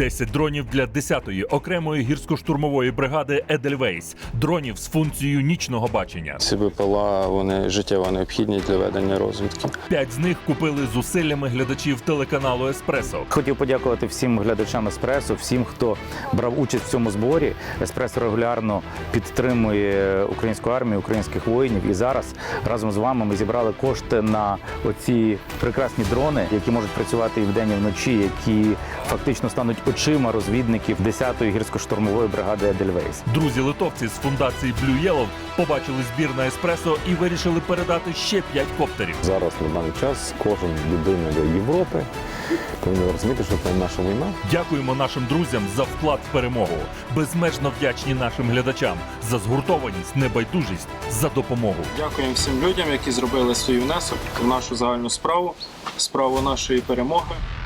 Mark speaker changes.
Speaker 1: 10 дронів для 10-ї окремої гірсько-штурмової бригади «Едельвейс». Дронів з функцією нічного бачення.
Speaker 2: Ці БПЛА, вони життєво необхідні для ведення розвідки.
Speaker 1: 5 з них купили зусиллями глядачів телеканалу «Еспресо».
Speaker 3: Хотів подякувати всім глядачам «Еспресо», всім, хто брав участь в цьому зборі. «Еспресо» регулярно підтримує українську армію, українських воїнів. І зараз разом з вами ми зібрали кошти на оці прекрасні дрони, які можуть працювати і вдень, і вночі, які фактично стануть очима розвідників 10-ї гірсько-штурмової бригади «Едельвейс».
Speaker 1: Друзі-литовці з фундації Blue Yellow побачили збір на «Еспресо» і вирішили передати ще 5 коптерів.
Speaker 4: Зараз на даний час кожен людина Європи повинен розуміти, що це наша війна.
Speaker 1: Дякуємо нашим друзям за вклад в перемогу. Безмежно вдячні нашим глядачам за згуртованість, небайдужість, за допомогу.
Speaker 2: Дякуємо всім людям, які зробили свій внесок в нашу загальну справу, справу нашої перемоги.